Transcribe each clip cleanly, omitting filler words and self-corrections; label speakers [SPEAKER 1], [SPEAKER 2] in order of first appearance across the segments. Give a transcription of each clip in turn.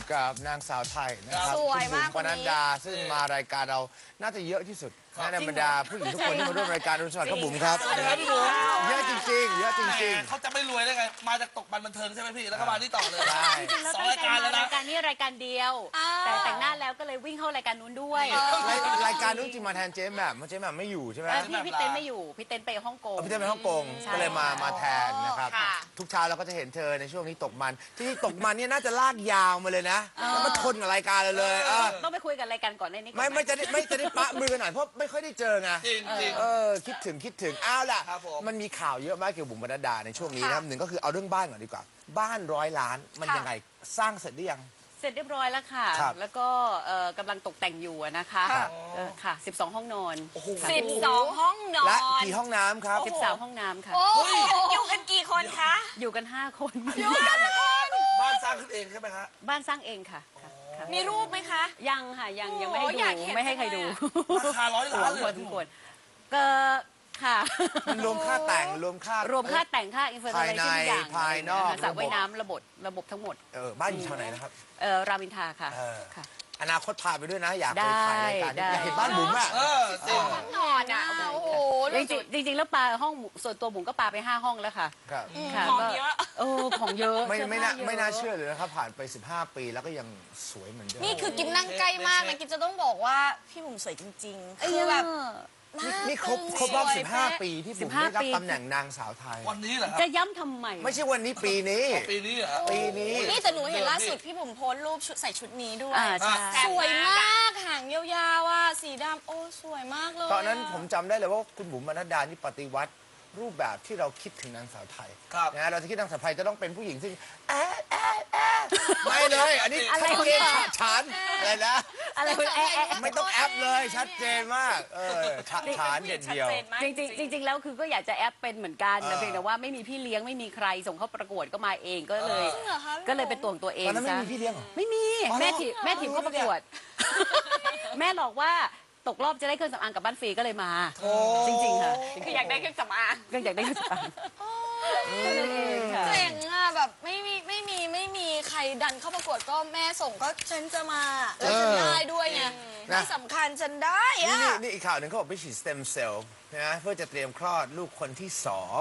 [SPEAKER 1] กับนางสาวไทยนะครับ
[SPEAKER 2] สวยมาก
[SPEAKER 1] คุณบุ๋ปนัดดาซึ่งมารายการเราน่าจะเยอะที่สุดในบรรดาผู้หญิงทุกคนที่มาร่วมรายการรุ่นสวัสดิ์ครับบุ๋มครับ
[SPEAKER 3] สวัสดีครับพี่บุ๋ม
[SPEAKER 1] เยอะจริงๆเยอะจริง
[SPEAKER 3] เขาจะไม่รวยได้ไง มาจากตกบันบันเทิงใช่ไหมพี่ แล้วก็มาที่ต่อเลย
[SPEAKER 1] ใช่
[SPEAKER 4] จริงๆแล้ว
[SPEAKER 3] สอง
[SPEAKER 4] ตั้ง
[SPEAKER 3] ราย
[SPEAKER 4] ใจ
[SPEAKER 3] การ
[SPEAKER 4] มา
[SPEAKER 3] แล้วนะ
[SPEAKER 4] รายการนี้รายการเดียว แต่แต่งหน้าแล้วก็เลยวิ่งเข้ารายการนู้นด้วย
[SPEAKER 1] ๆรายการนู้นจริงมาแทนเจ๊แหม่มเจ๊แหม่มไม่อยู่ใช่ไหม
[SPEAKER 4] พี่เต้นไม่อยู่พี่เต้นไปฮ่องกง
[SPEAKER 1] พี่เต้นไปฮ่องกง
[SPEAKER 4] ใช่
[SPEAKER 1] ก็เลยมาแทนนะครับ
[SPEAKER 2] ค่ะ
[SPEAKER 1] ทุกเช้าเราก็จะเห็นเธอในช่วงนี้ตกมันที่ตกมันเนี่ยน่าจะลากยาวมาเลยนะแล้วมาทนกับรายการเราเลย
[SPEAKER 4] ต้องไปคุยกับรายการก่อนในนี้ก่อน
[SPEAKER 1] ไม่จะได้ปะมือกันหน่อยเพราะไม่ค่อยได้เจอไง
[SPEAKER 3] จริงจริง
[SPEAKER 1] คิดถึงอ้าวล่ะ
[SPEAKER 3] ครับผม
[SPEAKER 1] มันมีข่าวเยอะมากเกี่ยวกับบุ๋มปนัดดาในช่วงนี้นะครับหนึ่งก็คือเอาเรื่องบ้านก่อนดีกว่า บ้าน100 ล้านมันยังไงสร้างเสร็จหรือยัง
[SPEAKER 4] เสร็จเรียบร้อยแล้วค่ะ
[SPEAKER 1] ครับ
[SPEAKER 4] แล้วก็กำลังตกแต่งอยู่อะนะคะ
[SPEAKER 1] ครับ
[SPEAKER 4] ค่ะ12 ห้องนอนค่ะ
[SPEAKER 2] 12 ห้องนอ
[SPEAKER 1] และ
[SPEAKER 2] น
[SPEAKER 1] กี่ห้องน้ำครับ
[SPEAKER 4] 13 ห้องน้ำค่ะ
[SPEAKER 2] โอ้โหอยู่กันกี่คนคะ
[SPEAKER 4] อยู่กัน 5 คน
[SPEAKER 3] บ้านสร้างขึ้นเองใช่ไหมฮะ
[SPEAKER 4] บ้านสร้างเองค่ะค่ะ
[SPEAKER 2] มีรูปไหมคะ
[SPEAKER 4] ยังค่ะยังไม่ให้
[SPEAKER 2] โอ้อยาก
[SPEAKER 4] ดู
[SPEAKER 2] เห็น
[SPEAKER 4] ไม่ให้ใครดู
[SPEAKER 3] ราคา100 ล้านเลย
[SPEAKER 4] พอสมควรก็ค่ะ
[SPEAKER 1] มันรวมค่าแต่งรวมค่าร
[SPEAKER 4] วมค่าแต่งค่าอินฟลูเอนเซอร์ทุกอย่าง
[SPEAKER 1] ภายนอก
[SPEAKER 4] สระว่ายน้ำระบบทั้งหมด
[SPEAKER 1] บ้านอยู่แถวไหนนะครับ
[SPEAKER 4] รามอินทราค่ะ ค่ะ
[SPEAKER 1] อนาคตพาไปด้วยนะ อยากไปถ่ายรายการ
[SPEAKER 4] ได้
[SPEAKER 1] อยากเห็นบ้านบุ๋มอ่ะ
[SPEAKER 3] จริง
[SPEAKER 2] ห้องนอนอ่ะ โอ้โห
[SPEAKER 4] จริงๆแล้วปลาห้องส่วนตัวบุ๋มก็ปลาไป5 ห้องแล้วค่ะ
[SPEAKER 1] ครับ
[SPEAKER 4] ค่ะ
[SPEAKER 2] ของ
[SPEAKER 4] ก็
[SPEAKER 2] เยอะ
[SPEAKER 4] ของเยอะ
[SPEAKER 1] ไม่
[SPEAKER 4] สื้อผ้
[SPEAKER 1] น่า
[SPEAKER 4] เยอะ
[SPEAKER 1] ไม่น่าเชื่อเลยนะครับผ่านไป15 ปีแล้วก็ยังสวยเหมือนเดิม
[SPEAKER 2] นี่คือกินนั่งใกล้มากนะกินจะต้องบอกว่าพี่บุ๋มสวยจริงๆ คือแบบ
[SPEAKER 1] นี่ครบรอบ 15 ปีที่บุ๋มได้รับตำแหน่งนางสาวไทย
[SPEAKER 3] วันนี้เหรอครับ
[SPEAKER 4] จะย้ำทำไม
[SPEAKER 1] ไม่ใช่วันนี้ปีนี้
[SPEAKER 3] ปีนี้เหรอ
[SPEAKER 1] ปีนี้
[SPEAKER 2] นี่แต่หนูเห็นล่าสุดพี่บุ๋มโพสต์รูปชุดใส่ชุดนี้ด้วย
[SPEAKER 4] ใช่
[SPEAKER 2] สวยมากหางยาวๆอ่ะสีดำโอ้สวยมากเลย
[SPEAKER 1] ตอนนั้นผมจำได้เลยว่าคุณบุ๋มปนัดดานี่ปฏิวัติรูปแบบที่เราคิดถึงนางสาวไทย
[SPEAKER 3] ครับ
[SPEAKER 1] นะเราจะคิดนางสาวไทยจะต้องเป็นผู้หญิงซึ่งไม่เลย อันนี้
[SPEAKER 4] อะไร
[SPEAKER 1] ชัด
[SPEAKER 4] ของ
[SPEAKER 1] เจน
[SPEAKER 4] เธอ
[SPEAKER 1] ฉันอะไรนะ
[SPEAKER 4] อะไรคุณ
[SPEAKER 1] ไม่ต้องแอปเลยชัดเจนมากฉานเด็ดเดียว
[SPEAKER 4] จริงๆแล้วคือก็อยากจะแอปเป็นเหมือนกันแต่เพียงแต่ว่าไม่มีพี่เลี้ยงไม่มีใครส่งเข้าประกวดก็มาเองก็เลย
[SPEAKER 2] จริงเหรอคะ
[SPEAKER 4] ก็เลยเป็นตัวของตัวเอง
[SPEAKER 1] ตอนนั้นไม่
[SPEAKER 4] ซะ
[SPEAKER 1] มีพี่เลี้ยงเหรอ
[SPEAKER 4] ไม่มี
[SPEAKER 1] อ๋อ
[SPEAKER 4] แม่ถีบเข้าประกวด แม่หลอกว่าตกรอบจะได้เครื่องสำอางกลับบ้านฟรีก็เลยมา จริงๆค่ะ
[SPEAKER 2] คืออยากได้เครื่องสำอาง
[SPEAKER 4] ก็อยากได้เครื่องสำอางค่ะ
[SPEAKER 2] เจ๋งอ่ะแบบไม่มีใครดันเข้าประกวดก็แม่ส่งก็ฉันจะมาแล้วฉันได้ด้วยไงที่สำคัญฉันได้
[SPEAKER 1] นี่
[SPEAKER 2] อ่ะ
[SPEAKER 1] นี่อีกข่าวหนึ่งเขาบอกไปฉีดสเต็มเซลล์นะเพื่อจะเตรียมคลอดลูกคนที่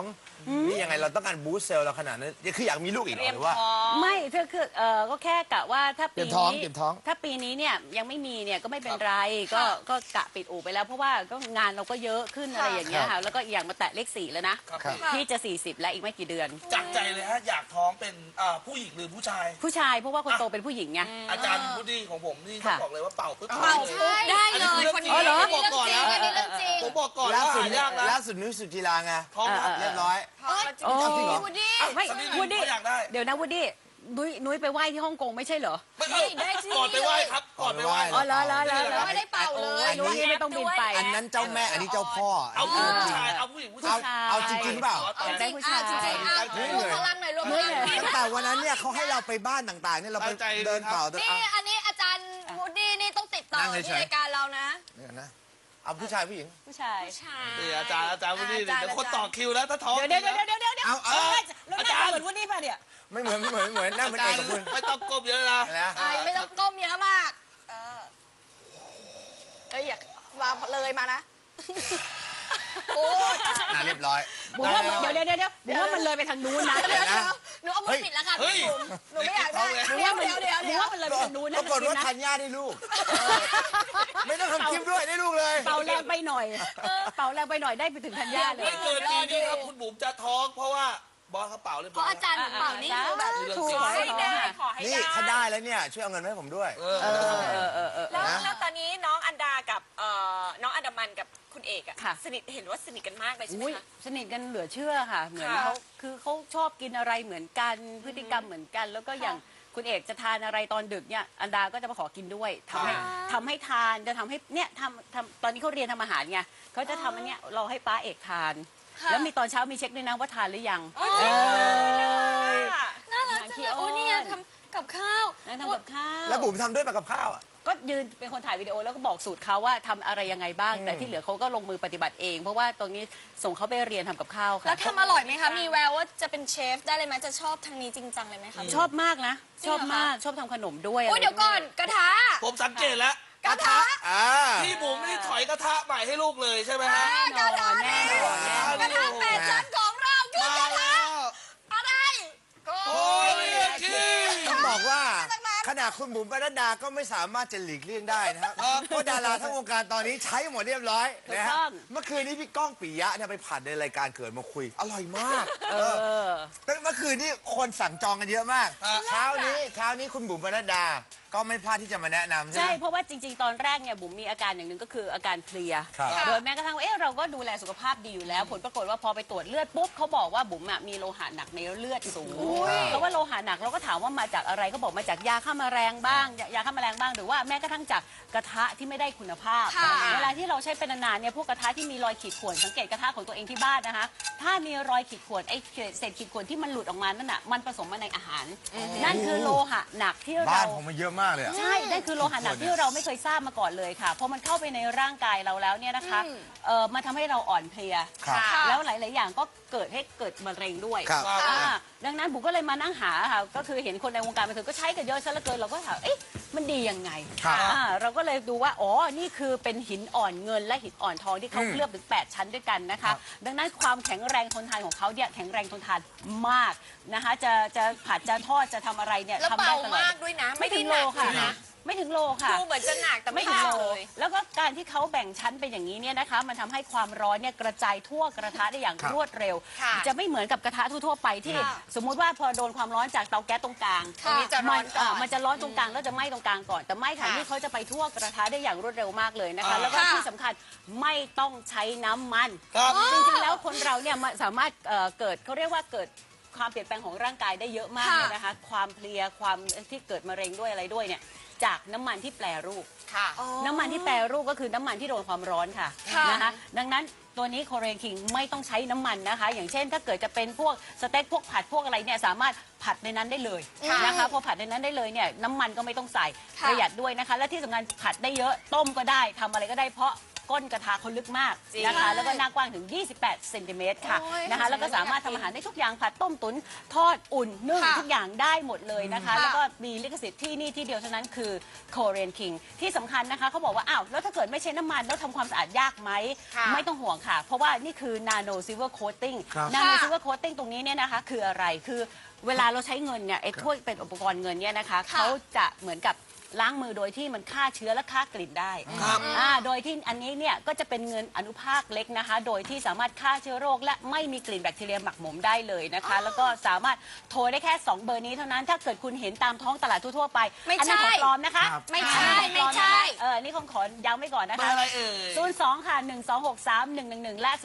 [SPEAKER 1] 2นี่ยังไงเราต้องการบูสต์เซลล์เราขนาดนั้นคืออยากมีลูกอีกเหรอหรือว่า
[SPEAKER 4] ไม่คือก็แค่กะว่าถ้าปี
[SPEAKER 1] เตรียมท้อง
[SPEAKER 4] นี้
[SPEAKER 1] เตรียมท้อง
[SPEAKER 4] ถ้าปีนี้เนี่ยยังไม่มีเนี่ยก็ไม่เป็นไรก็กะปิดอู่ไปแล้วเพราะว่าก็งานเราก็เยอะขึ้นอะไรอย่างเงี้ยค่ะแล้วก็อีกอย่างมาแตะเลข 4แล้วนะครับ ที่จะ40แล้วอีกไม่กี่เดือน
[SPEAKER 3] จากใจเลยฮะ อยากท้องเป็นผู้หญิงหรือผู้ชาย
[SPEAKER 4] ผู้ชายเพราะว่าคนโตเป็นผู้หญิงไง
[SPEAKER 3] อาจารย์พุดดี้ของผมนี่ต้อง
[SPEAKER 4] ค่ะ
[SPEAKER 3] บอกเลยว่าเป่าปุ๊บ
[SPEAKER 2] เป่า
[SPEAKER 3] เลย
[SPEAKER 2] ปุ๊บได้เลย
[SPEAKER 3] อั
[SPEAKER 2] คน
[SPEAKER 3] นี้
[SPEAKER 2] นี้
[SPEAKER 3] เรื่อง
[SPEAKER 2] อัน
[SPEAKER 3] จริ
[SPEAKER 2] นี้
[SPEAKER 3] ง
[SPEAKER 2] เรื่องจริงอันนี้เรื่องจริง
[SPEAKER 3] ผมบอกก่อน
[SPEAKER 1] ล่า
[SPEAKER 3] ว่า
[SPEAKER 1] สุด
[SPEAKER 3] หายากนะ
[SPEAKER 1] ล่าสุดนุ้ยสุจิราไง
[SPEAKER 3] ท้องนะ
[SPEAKER 1] เรียบร้อย
[SPEAKER 4] โอ้
[SPEAKER 1] จริงเหรอ
[SPEAKER 2] วูดดี้
[SPEAKER 4] ไม่
[SPEAKER 3] สักนิดนึง
[SPEAKER 4] วูดดี้
[SPEAKER 3] เขาอยากได้
[SPEAKER 4] เดี๋ยวนะวูดดี้นุ้ยไปไหว้ที่ฮ่องกงไม่ใช่เหรอ
[SPEAKER 3] ไม่ได้ก่อนไปไหว้ครับ ก่อนไปไหว้
[SPEAKER 4] อ๋อเหรอ
[SPEAKER 2] ไม่ได้เป่าเลย
[SPEAKER 4] นุ้ยไม่ต้องบินไป
[SPEAKER 1] อันนั้นเจ้าแม่อันนี้เจ้าพ่อ
[SPEAKER 3] เอาผู้หญิงผู้ชายเอาผู้หญิงผู้ชาย
[SPEAKER 1] เอาจริงๆเปล่า
[SPEAKER 2] เอาจริงอ่ะจริงอ่ะรวมพลังหน่อยรวมพลังหน่อย
[SPEAKER 1] ตั้งแต่วันนั้นเนี่ยเขาให้เราไปบ้านต่างๆเนี่ยเราไป
[SPEAKER 3] ตั้งใจ
[SPEAKER 1] เดินเป่า
[SPEAKER 2] นี่อันนี้อาจารย์วูดดี้นี่ต้องติดต่อที่รายการเรานะ
[SPEAKER 1] เนี่ยนะเอาผู้ชายผู้หญิง
[SPEAKER 4] ผู้ชาย
[SPEAKER 3] นี่อาจารย์พุดดี้เดี๋ยวคนต่อคิวแล้วถ้าท้อง
[SPEAKER 4] เดี๋ยว
[SPEAKER 1] เอา
[SPEAKER 4] แล้วหน้าเหมือนวูดดี้ป่ะเนี่ย
[SPEAKER 1] ไม่เหมือนนั่งเป็น
[SPEAKER 3] อา
[SPEAKER 1] เอ
[SPEAKER 3] จาก ร
[SPEAKER 1] กับ
[SPEAKER 3] ย์
[SPEAKER 1] คุณ
[SPEAKER 3] ไม่ต้องก้มเยอะนะ
[SPEAKER 1] อะไรนะ
[SPEAKER 2] ไม่ต้องก้มเยอะมากอยากมาเลยมานะโอ้
[SPEAKER 1] เรียบร้อย
[SPEAKER 4] บุ๋มว่าเดี๋ยวบุ๋มว่ามันเลยไปทางนู้นนะ
[SPEAKER 2] เดี๋ยวหนูเอามือปิดแล้วค่ะพี่บุ๋มหนูไม่อยากได้เดี๋ยว
[SPEAKER 4] บุ๋มว่ามันเลยไปทางนู้น
[SPEAKER 1] ป
[SPEAKER 4] นะ
[SPEAKER 1] รากฏว่าธัญญาได้ลูก ไม่ต้องทำคลิปด้วยได้ลูกเลย
[SPEAKER 4] เป่าแรงไปหน่อยเป่าแรงไปหน่อยได้ไปถึงธัญญาเลย
[SPEAKER 3] ไม่เกินปีนี้ครับคุณบุ๋มจะท้องเพราะว่าบอสเขาเป่าเรียบ
[SPEAKER 2] เพ
[SPEAKER 3] ร้อ
[SPEAKER 2] ราะ
[SPEAKER 3] ย
[SPEAKER 2] อาจารย์เป่านี่คือแบบ
[SPEAKER 4] ขอให้ได้
[SPEAKER 1] นี่ถ้าได้แล้วเนี่ยช่วยเอาเงินมาให้ผมด้วย
[SPEAKER 5] แล้วตอนนี้น้องอันดากับน้องอันดามันกับคุณเอกอะ
[SPEAKER 4] ค่ะ
[SPEAKER 5] สนิทเห็นว่าสนิทกันมากเลยใช่ไหม
[SPEAKER 4] อุ้ย
[SPEAKER 5] คะ
[SPEAKER 4] สนิทกันเหลือเชื่อค่ะ เหมือน
[SPEAKER 5] ค่ะ
[SPEAKER 4] เขาคือเขาชอบกินอะไรเหมือนกันพฤติกรรมเหมือนกัน แล้วก็อย่างคุณเอกจะทานอะไรตอนดึกเนี่ยอันดาก็จะมาขอกินด้วยทำให้ทานจะทำให้เนี่ยทำตอนนี้เขาเรียนทำอาหารไงเขาจะทำอันเนี้ยเราให้ป้าเอกทาน แล้วมีตอนเช้ามีเช็คด้วยนะว่าทานหรือยัง
[SPEAKER 2] น่ารักจังเลยโอ้นี่ทำกับข้าว
[SPEAKER 4] นั่งทำกับข้าว
[SPEAKER 1] แล้วบุ๋มทำด้วยกับข้าวอ่ะ
[SPEAKER 4] ก็ยืนเป็นคนถ่ายวิดีโอแล้วก็บอกสูตรเขาว่าทำอะไรยังไงบ้าง แต่ที่เหลือเขาก็ลงมือปฏิบัติเอง เพราะว่าตรงนี้ส่งเขาไปเรียนทำกับข้าวค่ะ
[SPEAKER 2] แล้วทำอร่อยไหมคะ มีแววว่าจะเป็นเชฟได้เลยไหมจะชอบทางนี้จริงจังเลยไหมคะ
[SPEAKER 4] ชอบมากนะ
[SPEAKER 2] จริ
[SPEAKER 4] ช
[SPEAKER 2] ง
[SPEAKER 4] อบ
[SPEAKER 2] เหรอคะ
[SPEAKER 4] มากชอบทำขนมด้วย
[SPEAKER 2] โอ้ยเดี๋ยวก่อนกระทะ
[SPEAKER 3] ผมสังเกตแล้ว
[SPEAKER 2] กระทะ
[SPEAKER 1] อ่า
[SPEAKER 3] พี่บุ๋มนี่ถอยกระทะใหม่ให้ลูกเลยใช่ไหมฮะ
[SPEAKER 4] แน่นอนแน่นอนแน่นอน
[SPEAKER 2] กระทะแปดชั้นของเราคือกระทะอะไร
[SPEAKER 3] โอ้ยคิง
[SPEAKER 1] ต้องบอกว่าขนาดคุณบุ๋มปนัดดาก็ไม่สามารถจะหลีกเลี่ยงได้นะครับเพราะดาราทั้งวงการตอนนี้ใช้หมดเรียบร้อยนะฮะเมื่อคืนนี้พี่ก้องปิยะเนี่ยไปผัดในรายการเกิดมาคุย อร่อยมากแต่เมื่อคืนนี้คนสั่งจองกันเยอะมากเช้านี้คุณบุ๋มปนัดดาก็ไม่พลาดที่จะมาแนะนำใช่
[SPEAKER 4] ใช่
[SPEAKER 1] ไหม
[SPEAKER 4] เพราะว่าจริงๆ ตอนแรกเนี่ยบุ๋มมีอาการอย่างหนึ่งก็คืออาการเพลีย
[SPEAKER 1] ครับ
[SPEAKER 4] โดยแม้กระทั่งว่าเราก็ดูแลสุขภาพดีอยู่แล้ว ผลปรากฏว่าพอไปตรวจเลือดปุ๊บเขาบอกว่าบุ๋มมีโลหะหนักในเลือดสูงเพราะว่าโลหะหนักเราก็ถามว่ามาจากอะไรก็บอกมาจากยาฆ่าแมลงบ้างยาฆ่าแมลงบ้างหรือว่าแม้กระทั่งจากกระทะที่ไม่ได้คุณภาพ
[SPEAKER 2] ค่ะ
[SPEAKER 4] เวลาที่เราใช้เป็นนานๆเนี่ยพวกกระทะที่มีรอยขีดข่วนสังเกตกระทะของตัวเองที่บ้านนะคะถ้ามีรอยขีดข่วนไอ้เศษขีดข่วนที่มันหลุดออกมานั่นน่ะมันผสมมาในอาหาร นั่นคือโลหะหนักที่
[SPEAKER 1] บ้า
[SPEAKER 4] เรา
[SPEAKER 1] นผมมันเยอะมากเลยอะ
[SPEAKER 4] ใช่นั่นคือโลหะหนักที่เราไม่เคยทราบมาก่อนเลยค่ะพอมันเข้าไปในร่างกายเราแล้วเนี่ยนะคะมันทำให้เราอ่อนเพลีย
[SPEAKER 1] ครับ
[SPEAKER 4] แล้วหลาย ๆ อย่างก็เกิดมะเร็งด้วย
[SPEAKER 1] ครับ
[SPEAKER 4] ดังนั้นบุ๋มก็เลยมานั่งหาค่ะก็คือเห็นคนในวงการบันเทิงก็ใช้กันเยอะซะเหลือเกินเราก็ถามเอ๊ะมันดียังไง
[SPEAKER 1] ครับ
[SPEAKER 4] เราก็เลยดูว่าอ๋อนี่คือเป็นหินอ่อนเงินและหินอ่อนทองที่เขาเคลือบถึง 8 ชั้นด้วยกันนะคะ ดังนั้นความแข็งแรงทนทานของเขาเนี่ยแข็งแรงทนทานมากนะคะจะผัดจะทอดจะทำอะไรเนี่ย
[SPEAKER 5] แล้ว
[SPEAKER 4] ทำได้
[SPEAKER 5] เบา
[SPEAKER 4] ตลอด
[SPEAKER 5] มากด้วยนะ
[SPEAKER 4] ไม่ถึงโลค่ะ
[SPEAKER 5] ไม่ได้หนักเลยนะ
[SPEAKER 4] ไม่ถึงโลค่ะ
[SPEAKER 5] ดูเหมือนจะหนักแต่ไม่
[SPEAKER 4] ไม่
[SPEAKER 5] ห
[SPEAKER 4] ถึง
[SPEAKER 5] นัก
[SPEAKER 4] โล
[SPEAKER 5] เลย
[SPEAKER 4] แล้วก็การที่เขาแบ่งชั้นเป็นอย่างนี้เนี่ยนะคะ มันทำให้ความร้อนเนี่ยกระจายทั่วกระทะได้อย่าง
[SPEAKER 1] ครับ
[SPEAKER 4] รวดเร็ว
[SPEAKER 5] ค่ะ
[SPEAKER 4] จะไม่เหมือนกับกระทะทั่วๆไปที่ สมมุติว่าพอโดนความร้อนจากเตาแก๊สตรงกลาง
[SPEAKER 5] ตรงนี้จะร้อนก่อน
[SPEAKER 4] มันจะร้อนตรงกลางแล้วจะไหม้ตรงกลางก่อน แต่ไม่ค่ะ
[SPEAKER 5] ค่ะ
[SPEAKER 4] นี่เขาจะไปทั่วกระทะได้อย่างรวดเร็วมากเลยนะคะ แล้วก็
[SPEAKER 2] ค่ะ
[SPEAKER 4] ที่สำคัญไม่ต้องใช้น้ำมัน
[SPEAKER 3] ครับ
[SPEAKER 4] จริงๆ แล้วคนเราเนี่ยสามารถเกิดเขาเรียกว่าเกิดความเปลี่ยนแปลงของร่างกายได้เยอะมากเลยนะคะ ความเพลียความที่เกิดมะเร็งด้วยอะไรด้วยเนี่ยจากน้ำมันที่แปรรูป
[SPEAKER 5] ค่ะ
[SPEAKER 4] น้ำมันที่แปรรูปก็คือน้ำมันที่โดนความร้อนค่ะ
[SPEAKER 2] ค่ะ
[SPEAKER 4] นะคะดังนั้นตัวนี้โคเรียนคิงไม่ต้องใช้น้ำมันนะคะ อย่างเช่นถ้าเกิดจะเป็นพวกสเต็กพวกผัดพวกอะไรเนี่ยสามารถผัดในนั้นได้เลยนะคะพอผัดในนั้นได้เลยเนี่ยน้ำมันก็ไม่ต้องใส่
[SPEAKER 2] ค่ะ
[SPEAKER 4] ประหยัดด้วยนะคะ และที่สำคัญผัดได้เยอะต้มก็ได้ทำอะไรก็ได้เพราะก้นกระทะเขาลึกมาก
[SPEAKER 5] จริง
[SPEAKER 4] นะคะแล้วก็หน้ากว้างถึง 28 เซนติเมตรค่ะ
[SPEAKER 2] โอ้ย
[SPEAKER 4] นะคะแล้วก็สามารถทำอาหารได้ทุกอย่างผัดต้มตุ๋นทอดอุ่นนึ่ง
[SPEAKER 2] ค่ะ
[SPEAKER 4] ทุกอย่างได้หมดเลยนะคะ
[SPEAKER 2] ค่ะ
[SPEAKER 4] แล้วก็มีลิขสิทธิ์ที่นี่ที่เดียวเท่านั้นคือ Korean King ที่สำคัญนะคะเขาบอกว่าอ้าวแล้วถ้าเกิดไม่ใช้น้ำมันแล้วทำความสะอาดยากไหม
[SPEAKER 5] ค่ะ
[SPEAKER 4] ไม่ต้องห่วงค่ะ เพราะว่านี่คือ Nano Silver Coating
[SPEAKER 1] ครับ
[SPEAKER 4] Nano
[SPEAKER 2] ค่ะ
[SPEAKER 4] Silver Coating ตรงนี้เนี่ยนะคะคืออะไรคือเวลาเราใช้เงินเนี่ยไอ้ถ้วยเป็นอุปกรณ์เงินเนี่ยนะคะ
[SPEAKER 2] ค่ะ
[SPEAKER 4] เขาจะเหมือนกับล้างมือโดยที่มันฆ่าเชื้อและฆ่ากลิ่นได้
[SPEAKER 3] ครับ
[SPEAKER 4] โดยที่อันนี้เนี่ยก็จะเป็นเงินอนุภาคเล็กนะคะ โดยที่สามารถฆ่าเชื้อโรคและไม่มีกลิ่นแบคทีเรียหมักหมมได้เลยนะคะ แล้วก็สามารถโทรได้แค่ 2 เบอร์นี้เท่านั้น ถ้าเกิดคุณเห็นตามท้องตลาดทั่วๆไป
[SPEAKER 2] ไม่
[SPEAKER 4] อันนั้น
[SPEAKER 2] ใช่
[SPEAKER 4] ของปลอมนะคะ
[SPEAKER 1] ครับ
[SPEAKER 2] ไม่ใช่
[SPEAKER 4] อันนั้นของปลอ
[SPEAKER 2] ไม่ใช่
[SPEAKER 4] นะคะนี่ของขอย้ำไว้ก่อนนะ
[SPEAKER 3] เบอ
[SPEAKER 4] คะ
[SPEAKER 3] ร์อะไรเอ่ย
[SPEAKER 4] 02 ค่ะ 1263-111 และ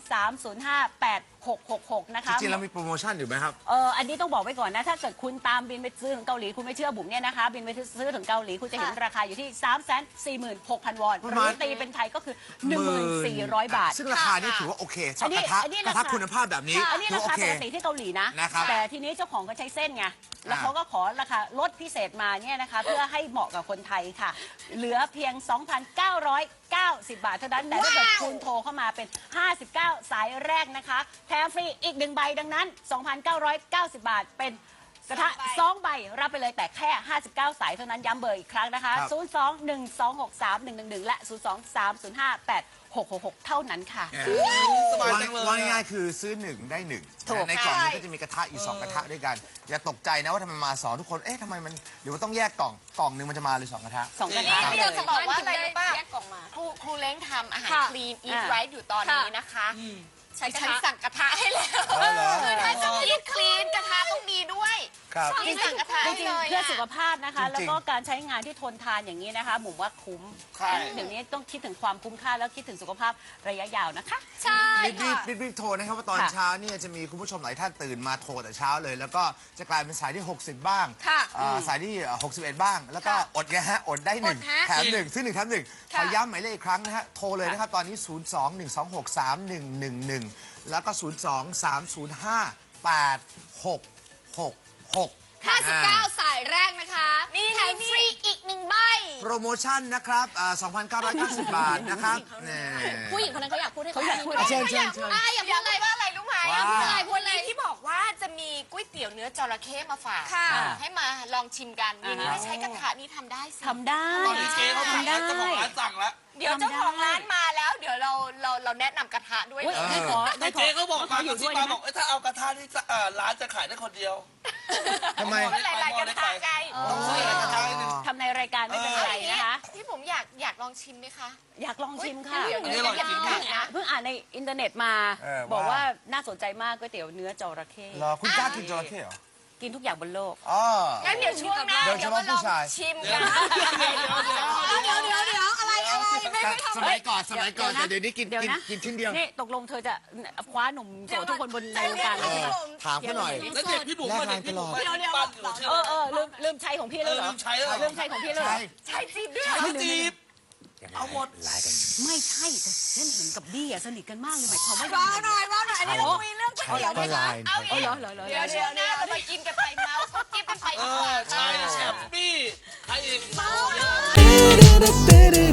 [SPEAKER 4] 023058666 นะคะ
[SPEAKER 1] จริงๆเรามีโปรโมชั่นอยู่ไหมครับ
[SPEAKER 4] อันนี้ต้องบอกไว้ก่อนนะ ถ้าเกิดคุณตามบินไปซื้อถึงเกาหลี คุณไม่เชื่อบุ๋มเนี่ยนะคะ บินไปซื้อถึงเกาหลี คุณจะเห็นราคาอยู่ที่ 346,000 วอน
[SPEAKER 1] ประ
[SPEAKER 4] ห
[SPEAKER 1] มาณ
[SPEAKER 4] รือตีเป็นไทยก็คือ 1,400 บาท
[SPEAKER 1] ซึ่งราคานี่ถือว่าโอเคสำหรับกระทะ
[SPEAKER 4] อันนี้
[SPEAKER 1] กระทะคุณภาพแบบนี้
[SPEAKER 4] อันนี้
[SPEAKER 1] ถือ
[SPEAKER 4] รา
[SPEAKER 1] ว่าโอ
[SPEAKER 4] คา
[SPEAKER 1] เค
[SPEAKER 4] ปกติที่เกาหลีนะ
[SPEAKER 1] นะครับ
[SPEAKER 4] แต่ทีนี้เจ้าของก็ใช้เส้นไง แล้วเขาก็ขอราคาลดพิเศษมาเนี่ยนะคะ เพื่อให้เหมาะกับคนไทยค่ะ เหลือเพียง 2,990 บาทเท่านั้น แต่ถ้าเกิดคุณโทรเข้ามาเป็น 59 สายแรกนะคะ แถมฟรีอีก 1 ใบดังนั้น 2,990 บาทเป็นกระทะ 2 ใบ รับไปเลยแต่แค่ 59 สายเท่านั้นย้ำเบอร์อีกครั้งนะคะ
[SPEAKER 1] ครับ
[SPEAKER 4] 02-1263-111 และ 023058666 เท่านั้นค่ะ
[SPEAKER 3] สบายจังเลย
[SPEAKER 1] ว่าง่ายๆคือซื้อหนึ่งได้หนึ่ง
[SPEAKER 4] ถูก
[SPEAKER 1] ในกล่องนี้ก็จะมีกระทะอยู่2กระทะด้วยกัน อย่าตกใจนะว่าทำไมมา2ทุกคน เอ๊ะทำไมมันหรือว่าต้องแยกกล่องหนึ่งมันจะมาเลย2กระทะ
[SPEAKER 4] 2 กระทะ
[SPEAKER 5] นี่เราจะบอกว่าอะไรรู้ป่ะ
[SPEAKER 2] แยกกล่องมา
[SPEAKER 5] ครูเล้งทำอาหาร
[SPEAKER 2] ค่ะ
[SPEAKER 5] คลีนอีทไรท์อยู่ตอนนี้นะคะ
[SPEAKER 2] ใช้กระ
[SPEAKER 5] ฉัน
[SPEAKER 2] ทะ
[SPEAKER 5] สั่งกระทะให้แล้ว
[SPEAKER 1] อ๋อเหรอ
[SPEAKER 5] คือถ้าจะอีทคลีนกระทะต้องมีด้วย
[SPEAKER 1] ครับ
[SPEAKER 5] นี่สั่งกระทะ
[SPEAKER 4] จ
[SPEAKER 5] ให้
[SPEAKER 4] ริง
[SPEAKER 5] เล
[SPEAKER 4] ๆ
[SPEAKER 5] ย
[SPEAKER 4] เพื่อสุขภาพนะคะ
[SPEAKER 1] จริงๆ
[SPEAKER 4] แล้วก็การใช้งานที่ทนทานอย่างนี้นะคะหมุมว่าคุ้ม
[SPEAKER 3] ใช่
[SPEAKER 4] เดี๋ยวนี้ต้องคิดถึงความคุ้มค่าแล้วคิดถึงสุขภาพระยะยาวนะคะ
[SPEAKER 2] ใช่
[SPEAKER 1] รีบ
[SPEAKER 2] ค่ะ
[SPEAKER 1] รีบโทรนะครับว่าตอน
[SPEAKER 4] ค่ะ
[SPEAKER 1] เช้าเนี่ยจะมีคุณผู้ชมหลายท่านตื่นมาโทรแต่เช้าเลย แล้วก็จะกลายเป็นสายที่ 60 บ้าง
[SPEAKER 2] ค่ะ
[SPEAKER 1] สายที่ 61 บ้าง แล้วก็อดไงฮะอดได้หนึ่ง
[SPEAKER 2] อดฮะ
[SPEAKER 1] แถมหนึ่งซื้อหนึ่งแถมหนึ่งข
[SPEAKER 2] ค่ะ
[SPEAKER 1] อย้ำหมายเลขอีกครั้งนะฮะโทรเลยนะครับตอนนี้ 02-126-3111 แล้วก็ 023058666
[SPEAKER 2] 59 สายแรกนะคะแถมฟรีอีก1 ใบ
[SPEAKER 1] โปรโมชั่นนะครับ2,990 บาทนะครับนี่
[SPEAKER 2] ผู้หญิงคนนั้นเขาอยากพูดให้
[SPEAKER 4] เขาอยากพูด
[SPEAKER 1] เชิญ
[SPEAKER 2] อยากพูดอะไรรู้ไหม
[SPEAKER 1] ว่า
[SPEAKER 2] พูดอะไร
[SPEAKER 5] ที่บอกว่าจะมีก๋วยเตี๋ยวเนื้อจระเข้มาฝาก
[SPEAKER 2] ค่ะ
[SPEAKER 5] ให้มาลองชิมกันนี่ไม่ใช้กระทะนี่ทำได้สิ
[SPEAKER 4] ทำได้
[SPEAKER 3] ตอนนี้เจ๊เขาสั่ง
[SPEAKER 4] ทำได้
[SPEAKER 3] แล้วเจ้าของร้านสั่งแล้ว
[SPEAKER 5] เดี๋ยวเจ้าของร้านมาแล้ว เดี๋ยวเราแนะนำกระทะด้วย
[SPEAKER 4] อุ๊ย
[SPEAKER 5] เลย
[SPEAKER 4] ได้ขอได้ขอ
[SPEAKER 3] เจ๊เขาบอก
[SPEAKER 4] ข
[SPEAKER 3] มา
[SPEAKER 4] ออยู่
[SPEAKER 3] ที่
[SPEAKER 4] ด้วย
[SPEAKER 3] มา
[SPEAKER 4] นะ
[SPEAKER 3] บอกถ้าเอากระทะที่ร้านจะขายได้คนเดียว
[SPEAKER 1] ทำไม
[SPEAKER 5] ก็หลายๆกระทะไง
[SPEAKER 3] ต้องซื้ออะไรกระทะให้หนึ่ง
[SPEAKER 4] ทำในรายการไม่เป็นไรนะคะ
[SPEAKER 5] พี่ผมอยากลองชิมไหมคะ
[SPEAKER 4] อยากลองชิมค่ะ
[SPEAKER 5] เดี๋ยว
[SPEAKER 3] อันนี้อร่อยจริง
[SPEAKER 4] เพิ่งอ่านในอินเทอร์เน็ตมา บอกว่าน่าสนใจมากก๋วยเตี๋ยวเนื้อจระเข้
[SPEAKER 1] เหรอคุณกล้ากินจระเข้เหรอ
[SPEAKER 4] กินทุกอย่างบนโลก
[SPEAKER 1] อ๋อ
[SPEAKER 5] งั้นเดี๋ยวช่วงหน้า
[SPEAKER 1] โดยเฉ
[SPEAKER 5] เดี๋ยว
[SPEAKER 1] พาะ
[SPEAKER 5] มาลอง
[SPEAKER 1] ผู้ชาย
[SPEAKER 5] ชิมกัน
[SPEAKER 2] เดี๋ยวอะไรไม่ทำ
[SPEAKER 1] สมัยก่อนแต่เดี๋ยวนี้กิน
[SPEAKER 4] เดี๋ยวนะ
[SPEAKER 1] กินชิ้นเดียว
[SPEAKER 4] นี่ตกลงเธอจะคว้าหนุ่มโสดทุกคนบนในวงการเลยใช่ไหม
[SPEAKER 1] ถามเขาหน่อย
[SPEAKER 3] แล้วเด็กพี่บุ๋มมาเด็กพี่บุ๋มมาที่บ้านอยู่ชื่อ
[SPEAKER 4] ลืมใช้ของพี่แล้วเหรอ
[SPEAKER 3] ลืมใช้แล้วเหรอ
[SPEAKER 4] ลืมใช้ของพี่แล้วเหรอ
[SPEAKER 5] ใช่จีบด้วย
[SPEAKER 3] เขาจีบเอาหมด
[SPEAKER 4] ไม่ใช่แต่ฉันเห็นกับดี้อะสนิทกันมากเลยหมายความว่า
[SPEAKER 2] ว้าวหน่อยอันนี้เราคุยเรื่องก๋วยเตี๋ยว
[SPEAKER 1] ก็
[SPEAKER 2] นะคะ
[SPEAKER 1] ลาย
[SPEAKER 5] เอา
[SPEAKER 4] อ๋อ
[SPEAKER 5] อีก
[SPEAKER 4] เหรอ
[SPEAKER 5] เดี๋ยวช่วงหน้าเรามากินกันไปเมาส์เขาจิ๊บกันไป
[SPEAKER 3] เอ
[SPEAKER 5] ดีกว่า
[SPEAKER 3] อใช่แชมปี้ใครอีก
[SPEAKER 5] เมาส์